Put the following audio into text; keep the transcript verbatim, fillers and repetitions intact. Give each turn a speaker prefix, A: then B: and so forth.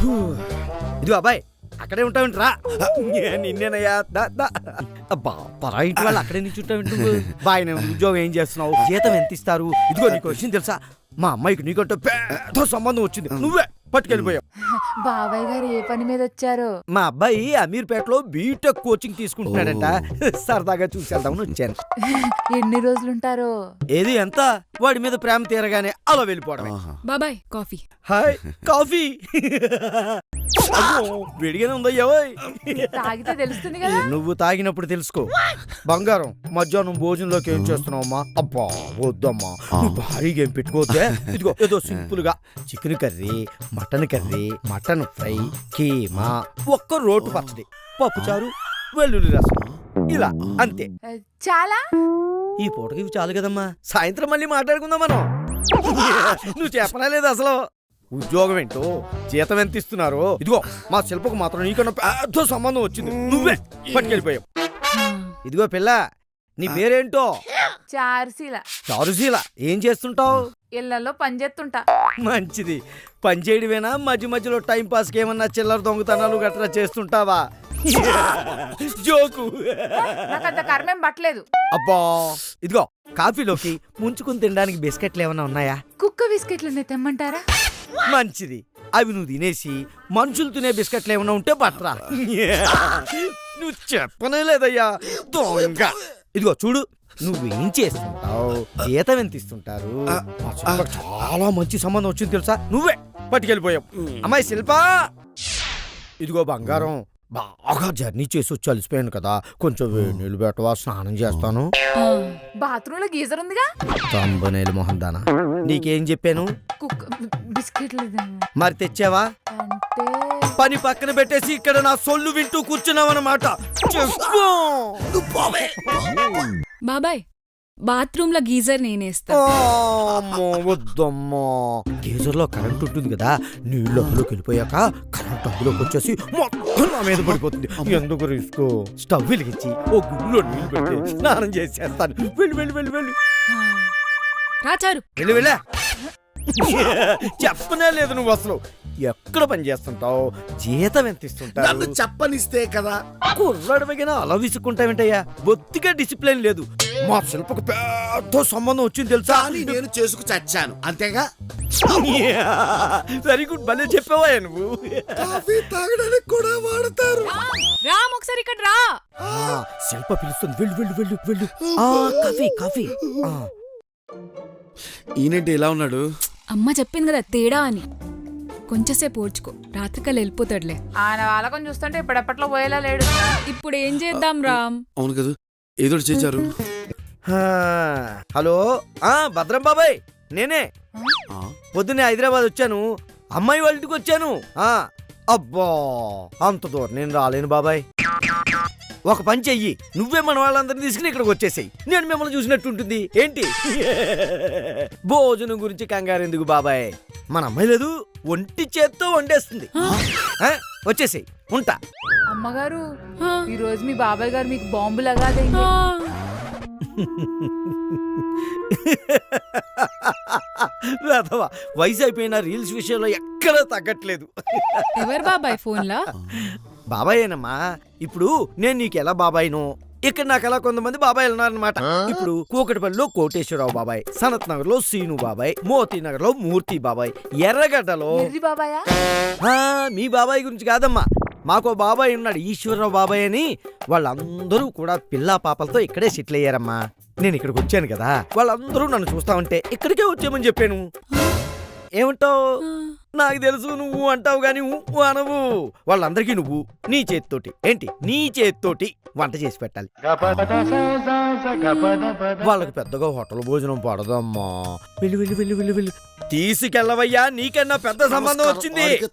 A: ఇదిగో అబ్బాయి అక్కడే ఉంటావేంట్రా? నిన్నేనయ్యా. అబ్బా పరా ఇంటి వాళ్ళు అక్కడే నుంచి ఉంటావేంటి? బాయ్ నేను ఉద్యోగం ఏం చేస్తున్నావు, జీతం ఎంత ఇస్తారు? ఇదిగో నీకు వచ్చింది తెలుసా, మా అమ్మాయికి నీకంటే పెద్ద సంబంధం వచ్చింది, నువ్వే పట్టుకెళ్ళిపోయావు.
B: బాబాయ్ గారు ఏ పని మీద వచ్చారు?
A: మా అబ్బాయి అమీర్పేటలో బీటెక్ కోచింగ్ తీసుకుంటున్నాడంట, సరదాగా చూసేద్దామని వచ్చాను.
B: ఎన్ని రోజులుంటారు?
A: ఏది ఎంత వాడి మీద ప్రేమ తీరగానే అలా వెళ్ళిపోవడం.
C: బాబాయ్ కాఫీ.
A: Hi coffee. వేడిగానే ఉందయ్యా.
B: తాగితే తెలుస్తుంది కదా.
A: నువ్వు తాగినప్పుడు తెలుసుకో. బంగారం మధ్యాహ్నం భోజనంలోకి ఏం చేస్తున్నావమ్మా? అబ్బా వద్దమ్మా, భారీగా ఏం పెట్టుకోవద్దే. ఇదిగో ఏదో సింపుల్ గా chicken curry, mutton curry, mutton fry, keema, ఒక్క రోటు పచ్చడి, పప్పుచారు, వెల్లుల్లి రసం, ఇలా అంతే.
B: చాలా
A: ఈ పూటకి ఇవి చాలు కదమ్మా, సాయంత్రం మళ్ళీ మాట్లాడుకుందాం మనం. నువ్వు చెప్పనా లేదు అసలు ఉద్యోగం ఏంటో, జీతం ఎంత ఇస్తున్నారో? ఇదిగో మా శిల్పకు మాత్రం నీకన్నా పెద్ద సంబంధం వచ్చింది, నువ్వే పట్టుకెళ్ళిపోయావు. ఇదిగో పిల్ల, నీ పేరేంటో?
B: చారుశీల.
A: చారుశీల, ఏం చేస్తుంటావు?
B: ఇళ్లలో పని చేస్తుంటా.
A: మంచిది, పని చేయడమేనా? మధ్య మధ్యలో టైం పాస్ కి ఏమన్నా చిల్లర దొంగతనాలు గట్రా చేస్తుంటావా? జోకు.
B: నాకంత కర్మేం పట్టలేదు.
A: అబ్బా ఇదిగో కాఫీలోకి ముంచుకుని తినడానికి బిస్కెట్లు ఏమన్నా ఉన్నాయా?
B: కుక్క బిస్కెట్లు తెమ్మంటారా?
A: మంచిది, అవి నువ్వు తినేసి మనుషులు తినే బిస్కెట్లు ఏమన్నా ఉంటే పట్టరా. నువ్వు చెప్పనే లేదయ్యా దొంగ. ఇదిగో చూడు, నువ్వేం చేస్తుంటావు, జీతం ఎంత ఇస్తుంటారు? చాలా మంచి సంబంధం వచ్చింది తెలుసా, నువ్వే పట్టుకెళ్ళిపోయావు. అమ్మాయి శిల్పా, ఇదిగో బంగారం, బాగా జర్నీ చేసి వచ్చి అలసిపోయాను కదా, కొంచెం నీళ్ళు పెట్టవా, స్నానం చేస్తాను.
B: బాత్రూమ్ లో గీజర్ ఉందిగా.
A: తంబనేలు మొహం దానా, నీకేం చెప్పాను?
B: కుక్క బిస్కెట్లు
A: మరి తెచ్చావా?
B: అంటే
A: పని పక్కన పెట్టేసి ఇక్కడ నా సొల్లు వింటూ కూర్చున్నావన్నమాట.
C: బాబాయ్ బాత్రూమ్ లో గీజర్ నేనేస్తా.
A: వద్దమ్మా, గీజర్ లో కరెంట్ ఉంటుంది కదా, నీళ్ళు అందులోకి వెళ్ళిపోయాక కరెంట్ అందులోకి వచ్చేసి మొత్తం నా మీద పడిపోతుంది. ఎందుకు రిస్క్? స్టవ్ వెలిగించి ఓ గుడ్లో నీళ్ళు పెట్టి స్నానం చేసేస్తాను. వెళ్ళి వెళ్ళి వెళ్ళి వెళ్ళి
C: రాచారు
A: వెళ్ళి వెళ్ళా. చెప్పనే లేదు నువ్వు అసలు. ఎక్కడ పని చేస్తుంటావు, జీతం ఎంత ఇస్తుంటావు?
D: చెప్పనిస్తే కదా.
A: కుర్రాడివైనా అలా విసుక్కుంటావేంటయ్యా, బొత్తిగా డిసిప్లిన్ లేదు. మా శిల్పకు పెద్ద సంబంధం వచ్చింది తెలుసా,
D: నేను చేసుకు చచ్చాను అంతేగా.
A: వెరీ గుడ్, భలే చెప్పావా నువ్వు.
D: కాఫీ తాగడానికి కూడా వాడతారు.
C: రామ్ ఒకసారి ఇక్కడ రా.
A: శిల్ప పిలుస్తుంది, వెళ్ళు వెళ్ళు వెళ్ళు వెళ్ళు. Coffee coffee.
D: ఈయనంటే ఎలా ఉన్నాడు?
C: అమ్మ చెప్పింది కదా తేడా అని, కొంచెంసేపు ఓర్చుకో, రాత్రికల్లా వెళ్ళిపోతాడులే.
B: ఆయన వాళ్ళకం చూస్తుంటే ఇప్పుడెప్పట్లో పోయేలా లేడు.
C: ఇప్పుడు ఏం చేద్దాం రామ్?
D: అవును కదా, ఏదో చేశారు.
A: హలో భద్రం బాబాయ్, నేనే. పొద్దున్నే హైదరాబాద్ వచ్చాను, అమ్మాయి వాళ్ళ ఇంటికి వచ్చాను. అబ్బా అంత దూరం నేను రాలేను బాబాయ్. ఒక పని చెయ్యి, నువ్వే మన వాళ్ళందరినీ తీసుకుని ఇక్కడికి వచ్చేసాయి, నేను మిమ్మల్ని చూసినట్టు ఉంటుంది. ఏంటి భోజనం గురించి కంగారు ఎందుకు బాబాయ్, మన అమ్మాయి లేదు ఒంటి చేత్తో వండేస్తుంది. వచ్చేసాయి, ఉంటా.
B: అమ్మగారు, ఈ రోజు మీ బాబాయ్ గారు మీకు బాంబు లగాదైంది.
A: వయసు అయిపోయిన రీల్స్ విషయంలో ఎక్కడా తగ్గట్లేదు.
C: ఎవరు బాబాయ్ ఫోన్లా?
A: బాబాయేనమ్మా. ఇప్పుడు నేను నీకు ఎలా బాబాయ్ను, ఇక్కడ నాకు ఎలా కొంతమంది బాబాయ్ ఉన్నారనమాట. ఇప్పుడు కూకటిపల్లిలో కోటేశ్వరరావు బాబాయ్, సనత్ నగర్ లో సీను బాబాయ్, మోతీ నగర్ లో మూర్తి బాబాయ్, ఎర్రగడ్డలో
B: బాబాయ్.
A: మీ బాబాయ్ గురించి కాదమ్మా, మాకో బాబాయ్ ఉన్నాడు ఈశ్వరరావు బాబాయ్ అని. వాళ్ళందరూ కూడా పిల్లా పాపలతో ఇక్కడే సెటిల్ అయ్యారమ్మా. నేను ఇక్కడికి వచ్చాను కదా, వాళ్ళందరూ నన్ను చూస్తా ఉంటే ఇక్కడికే వచ్చామని చెప్పాను. ఏమంటావు? నాకు తెలుసు నువ్వు అంటావు గాని అనవు. వాళ్ళందరికీ నువ్వు నీ చేతితోటి, ఏంటి నీ చేతితోటి వంట చేసి పెట్టాలి. వాళ్ళకి పెద్దగా హోటల్ భోజనం పడదమ్మా. వెళ్ళి వెళ్ళి వెళ్ళి వెళ్ళి వెళ్ళి తీసుకెళ్ళవయ్యా, నీకన్నా పెద్ద సంబంధం వచ్చింది.